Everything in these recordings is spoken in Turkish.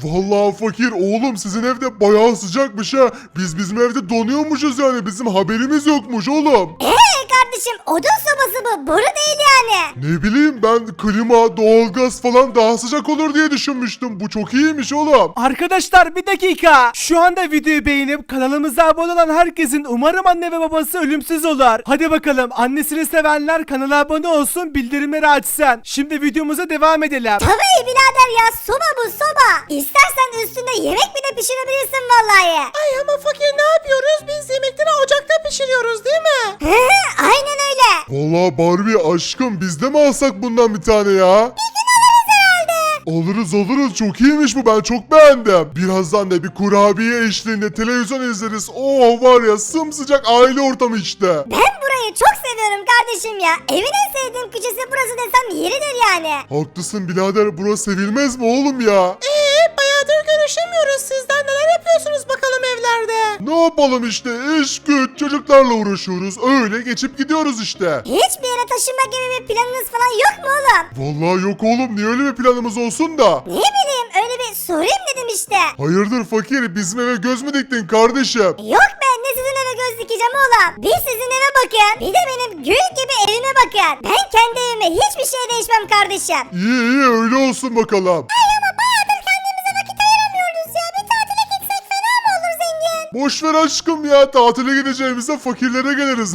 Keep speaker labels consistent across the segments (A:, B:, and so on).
A: Vallahi fakir oğlum sizin evde bayağı sıcakmış ha. Biz bizim evde donuyormuşuz yani bizim haberimiz yokmuş oğlum.
B: Kardeşim odun sobası bu boru değil yani.
A: Ne bileyim ben klima, doğalgaz falan daha sıcak olur diye düşünmüştüm. Bu çok iyiymiş oğlum.
C: Arkadaşlar bir dakika. Şu anda videoyu beğenip kanalımıza abone olan herkesin umarım anne ve babası ölümsüz olur. Hadi bakalım annesini sevenler kanala abone olsun, bildirimleri açsın. Şimdi videomuza devam edelim.
B: Tabii birader ya, soba bu soba. İstersen üstünde yemek bile pişirebilirsin vallahi.
D: Ay ama fakir ne yapıyoruz? Biz yemekleri ocakta pişiriyoruz değil mi?
B: Aynen öyle.
A: Vallahi Barbie aşkım biz de mi alsak bundan bir tane ya? Alırız çok iyiymiş bu ben çok beğendim. Birazdan da bir kurabiye eşliğinde televizyon izleriz. Oh var ya sımsıcak aile ortamı işte.
B: Ben burayı çok seviyorum kardeşim ya. Evin en sevdiğim köşesi burası desem yeridir yani.
A: Haklısın birader burası sevilmez mi oğlum ya?
D: Bayağıdır görüşemiyoruz. Sizden neler yapıyorsunuz bakalım evlerde?
A: Ne yapalım işte iş güç çocuklarla uğraşıyoruz öyle geçip gidiyoruz işte.
B: Hiçbir yere taşınma gibi bir planınız falan yok mu oğlum?
A: Vallahi yok oğlum niye öyle bir planımız olsun da?
B: Ne bileyim öyle bir sorayım dedim işte.
A: Hayırdır fakir bizim eve göz mü diktin kardeşim?
B: Yok be, ne sizin eve göz dikeceğim oğlum. Bir sizin eve bakın, bir de benim gül gibi evime bakın. Ben kendi evime hiçbir şey değişmem kardeşim.
A: İyi öyle olsun bakalım.
B: Ama bayağıdır kendimize vakit ayıramıyoruz ya. Bir tatile gitsek fena mı olur zengin?
A: Boş ver aşkım ya tatile gideceğimizde fakirlere geliriz.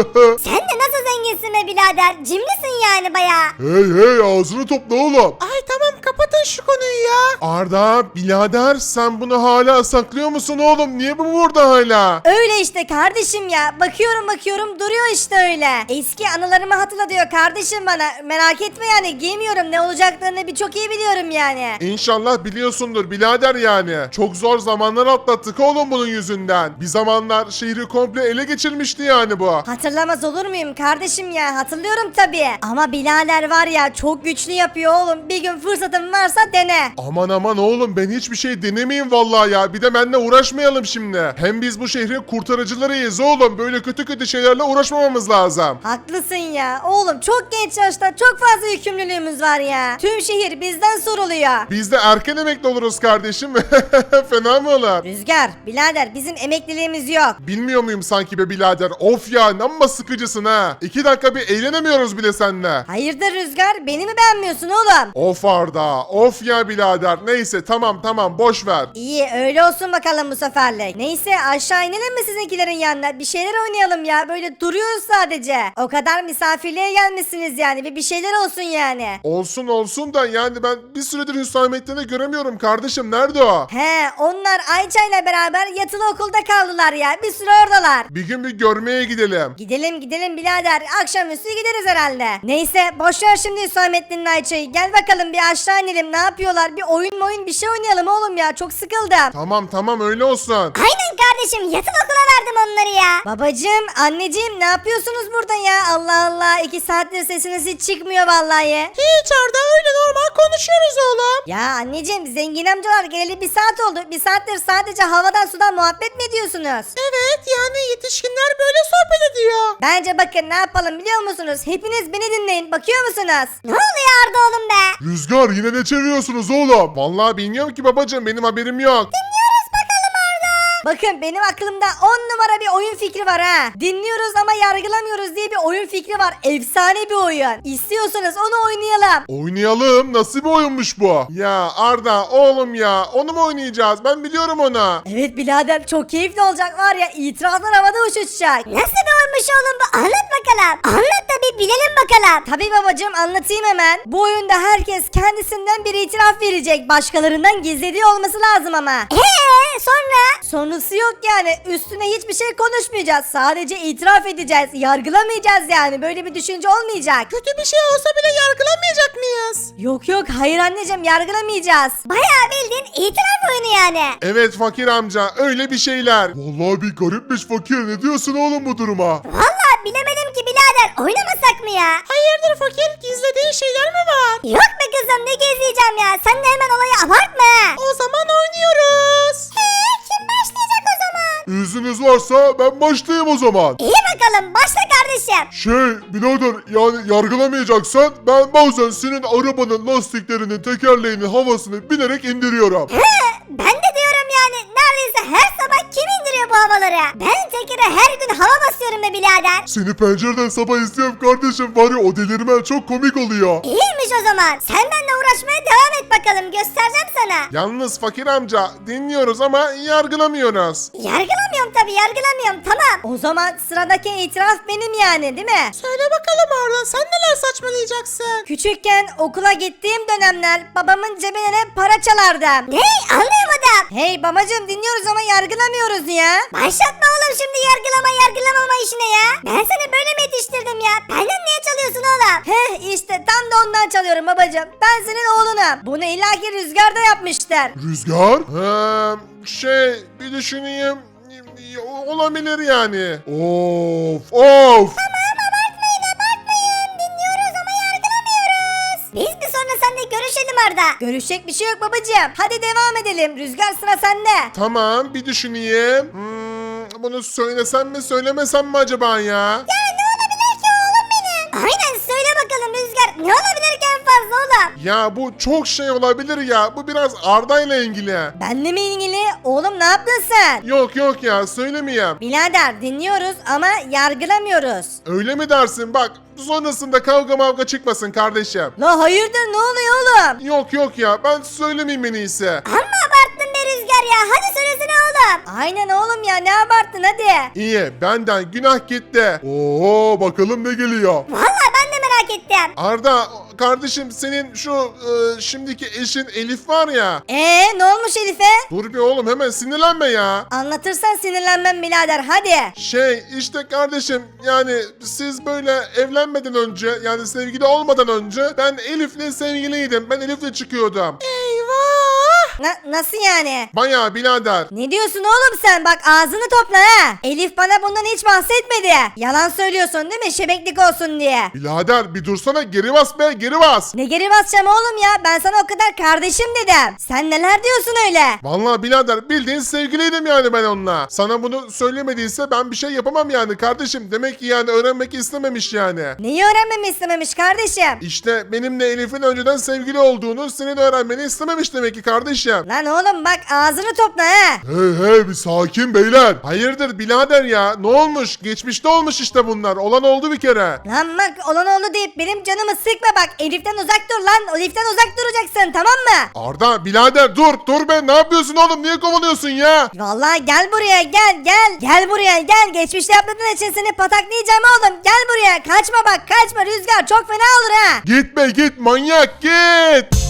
B: Sen de nasıl zenginsin be birader? Cimrisin yani bayağı.
A: hey ağzını topla oğlum.
D: Ay tamam kapatın şu konuyu ya.
A: Arda birader sen bunu hala saklıyor musun oğlum? Niye bu burada hala?
E: Öyle işte kardeşim ya. Bakıyorum duruyor işte öyle. Eski anılarımı hatırla diyor kardeşim bana. Merak etme yani giymiyorum, ne olacaklarını çok iyi biliyorum yani.
A: İnşallah biliyorsundur birader yani. Çok zor zamanlar atlattık oğlum bunun yüzünden. Bir zamanlar şehri komple ele geçirmişti yani bu.
E: Hatırlamaz olur muyum kardeşim ya, hatırlıyorum tabii. Ama birader var ya çok güçlü yapıyor oğlum. Bir gün fırsatın varsa dene.
A: Aman oğlum ben hiçbir şey denemeyeyim vallahi ya. Bir de benimle uğraşmayalım şimdi. Hem biz bu şehrin kurtarıcılarıyız oğlum. Böyle kötü şeylerle uğraşmamamız lazım.
E: Haklısın ya oğlum, çok genç yaşta çok fazla yükümlülüğümüz var ya. Tüm şehir bizden soruluyor.
A: Biz de erken emekli oluruz kardeşim. Fena mı olur?
E: Rüzgar birader bizim emekliliğimiz yok.
A: Bilmiyor muyum sanki be birader? Of ya amma sıkıcısın ha. 2 dakika bir eğlenemiyoruz bile seninle.
E: Hayırdır Rüzgar, beni mi beğenmiyorsun oğlum?
A: Of Arda. Of ya birader. Neyse tamam boş ver.
E: İyi öyle olsun bakalım bu seferlik. Neyse aşağı inelim mi sizinkilerin yanına? Bir şeyler oynayalım ya, böyle duruyoruz sadece. O kadar misafirliğe gelmişsiniz yani, bir şeyler olsun yani.
A: Olsun da yani ben bir süredir Hüsamettin'i göremiyorum kardeşim. Nerede o?
E: He, onlar Ayça'yla beraber yatılı okulda kaldılar ya, bir süre oradalar.
A: Bir gün bir görmeye gidelim.
E: Gidelim birader, akşamüstü gideriz herhalde. Neyse boşver şimdi Hüsamettin'le Ayça'yı, gel bakalım bir aşağı inelim, ne yapıyorlar, bir oyun bir şey oynayalım oğlum ya, çok sıkıldım.
A: Tamam öyle olsun.
B: Aynen kardeşim, yatılı okula verdim onları ya.
E: Babacım, anneciğim ne yapıyorsunuz burada ya? Allah Allah, 2 saattir sesiniz hiç çıkmıyor vallahi.
D: Hiç Arda, öyle normal konuşuyoruz oğlum.
E: Ya anneciğim, zengin amcalar geleli 1 saat oldu. 1 saattir sadece havadan sudan muhabbet mi ediyorsunuz?
D: Evet yani yetişkinler böyle sohbet ediyor.
E: Bence bakın ne yapalım biliyor musunuz? Hepiniz beni dinleyin, bakıyor musunuz?
B: Ne oluyor Arda oğlum be?
A: Rüzgar yine ne çeviriyorsunuz oğlum? Vallahi bilmiyorum ki babacığım benim haberim yok.
E: Bakın benim aklımda 10 numara bir oyun fikri var ha. Dinliyoruz ama yargılamıyoruz diye bir oyun fikri var. Efsane bir oyun. İstiyorsanız onu oynayalım.
A: Oynayalım. Nasıl bir oyunmuş bu? Ya Arda oğlum ya onu mu oynayacağız? Ben biliyorum onu.
E: Evet birader, çok keyifli olacak var ya, itirazlar havada uçuşacak.
B: Nasıl bir oyunmuş oğlum bu? Anlat bakalım. Anlat da bir bilelim bakalım.
E: Tabii babacığım, anlatayım hemen. Bu oyunda herkes kendisinden bir itiraf verecek. Başkalarından gizlediği olması lazım ama.
B: Sonra?
E: Sonrası yok yani. Üstüne hiçbir şey konuşmayacağız. Sadece itiraf edeceğiz. Yargılamayacağız yani. Böyle bir düşünce olmayacak.
D: Kötü bir şey olsa bile yargılamayacak mıyız?
E: Yok hayır anneciğim, yargılamayacağız.
B: Bayağı bildiğin itiraf oyunu yani.
A: Evet fakir amca öyle bir şeyler. Vallahi bir garipmiş fakir ne diyorsun oğlum bu duruma?
B: Vallahi bilemedim ki birader, oynamasak mı ya?
D: Hayırdır fakir, gizlediğin şeyler mi var?
B: Yok be kızım, ne gezleyeceğim ya? Sen de hemen olayı abartma.
D: O zaman oynuyoruz.
B: Kim başlayacak o zaman?
A: İzniniz varsa ben başlayayım o zaman.
B: İyi bakalım, başla kardeşim. kardeşim?
A: Birader yani yargılamayacaksan ben bazen senin arabanın lastiklerini, tekerleğini, havasını bilerek indiriyorum.
B: Ben de diyorum yani neredeyse her sabah kim indiriyor bu havaları? Ben tekere her gün hava basıyorum be birader.
A: Seni pencereden sabah izliyorum kardeşim, var ya o delirmen çok komik oluyor.
B: İyiymiş o zaman. Sen benimle uğraşmaya devam et bakalım. Göstereceğim sana.
A: Yalnız fakir amca dinliyoruz ama yargılamıyoruz.
B: Yargılamıyorum tabii yargılamıyorum tamam.
E: O zaman sıradaki itiraf benim yani değil mi?
D: Söyle bakalım Arda, sen neler saçmalayacaksın?
E: Küçükken okula gittiğim dönemler babamın cebine para çalardım.
B: Ne? Anlayamadım.
E: Hey babacım dinliyoruz ama yargılamıyoruz ya.
B: Başlatma oğlum şimdi yargılamama işine ya. Ben seni böyle mi yetiştirdim ya? Benden niye çalıyorsun oğlum?
E: Heh işte tam da ondan çalıyorum babacım. Ben senin oğlunum. Bunu illaki Rüzgar'da yapmışlar.
A: Rüzgar? Bir düşüneyim. Olabilir yani. Of.
B: Dinliyoruz ama yargılamıyoruz. Biz bir sonra seninle görüşelim Arda.
E: Görüşecek bir şey yok babacım. Hadi devam edelim. Rüzgar sıra sende.
A: Tamam bir düşüneyim. Bunu söylesem mi söylemesem mi acaba ya?
B: Aynen söyle bakalım Rüzgar. Ne olabilir ki en fazla oğlum?
A: Ya bu çok şey olabilir ya. Bu biraz Arda ile ilgili.
E: Benle mi ilgili? Oğlum ne yaptın sen?
A: Yok ya söylemeyeyim.
E: Birader dinliyoruz ama yargılamıyoruz.
A: Öyle mi dersin? Bak sonrasında kavga mavga çıkmasın kardeşim.
E: La hayırdır ne oluyor oğlum?
A: Yok ya ben söylemeyeyim en iyisi.
B: Amma abarttın be Rüzgar ya. Hadi söylesene oğlum.
E: Aynen oğlum ya ne abarttın hadi.
A: İyi benden günah gitti. Oo bakalım ne geliyor.
B: Vallahi ben de merak ettim.
A: Arda kardeşim senin şu şimdiki eşin Elif var ya.
E: Ne olmuş Elif'e?
A: Dur bir oğlum hemen sinirlenme ya.
E: Anlatırsan sinirlenmem birader hadi.
A: İşte kardeşim yani siz böyle evlenmeden önce yani sevgili olmadan önce ben Elif'le sevgiliydim. Ben Elif'le çıkıyordum.
D: Eyvah!
E: Nasıl yani?
A: Bayağı birader.
E: Ne diyorsun oğlum sen? Bak ağzını topla ha. Elif bana bundan hiç bahsetmedi. Yalan söylüyorsun değil mi? Şebeklik olsun diye.
A: Birader bir dursana, geri bas be, geri bas.
E: Ne geri basacağım oğlum ya? Ben sana o kadar kardeşim dedim. Sen neler diyorsun öyle?
A: Vallahi birader bildiğin sevgiliydim yani ben onunla. Sana bunu söylemediyse ben bir şey yapamam yani kardeşim. Demek ki yani öğrenmek istememiş yani.
E: Neyi öğrenmemi istememiş kardeşim?
A: İşte benimle Elif'in önceden sevgili olduğunu senin öğrenmeni istememiş demek ki kardeşim.
E: Lan oğlum bak ağzını topla ha.
A: Hey bir sakin beyler. Hayırdır birader ya, ne olmuş? Geçmişte olmuş işte bunlar. Olan oldu bir kere.
E: Lan bak olan oldu deyip benim canımı sıkma bak. Elif'ten uzak dur lan. Elif'ten uzak duracaksın tamam mı?
A: Arda birader dur be, ne yapıyorsun oğlum, niye kovalıyorsun ya?
E: Vallahi gel buraya gel. Gel buraya gel. Geçmişte yaptığın için seni pataklayacağım oğlum. Gel buraya. Kaçma bak kaçma Rüzgar çok fena olur ha.
A: Gitme git manyak git.